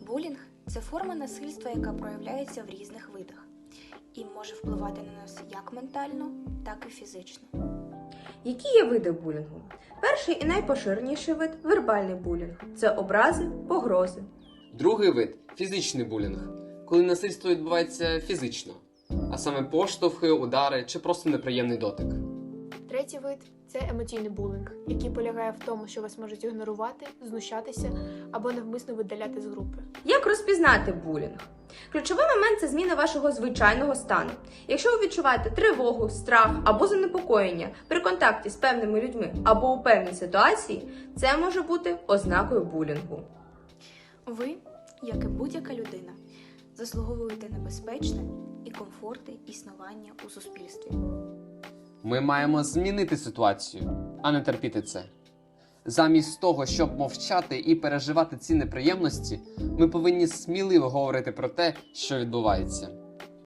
Булінг – це форма насильства, яка проявляється в різних видах і може впливати на нас як ментально, так і фізично. Які є види булінгу? Перший і найпоширеніший вид – вербальний булінг. Це образи, погрози. Другий вид – фізичний булінг, коли насильство відбувається фізично, а саме поштовхи, удари чи просто неприємний дотик. Третій вид – це емоційний булінг, який полягає в тому, що вас можуть ігнорувати, знущатися або навмисно видаляти з групи. Як розпізнати булінг? Ключовий момент – це зміна вашого звичайного стану. Якщо ви відчуваєте тривогу, страх або занепокоєння при контакті з певними людьми або у певній ситуації, це може бути ознакою булінгу. Ви, як і будь-яка людина, заслуговуєте на безпечне і комфортне існування у суспільстві. Ми маємо змінити ситуацію, а не терпіти це. Замість того, щоб мовчати і переживати ці неприємності, ми повинні сміливо говорити про те, що відбувається.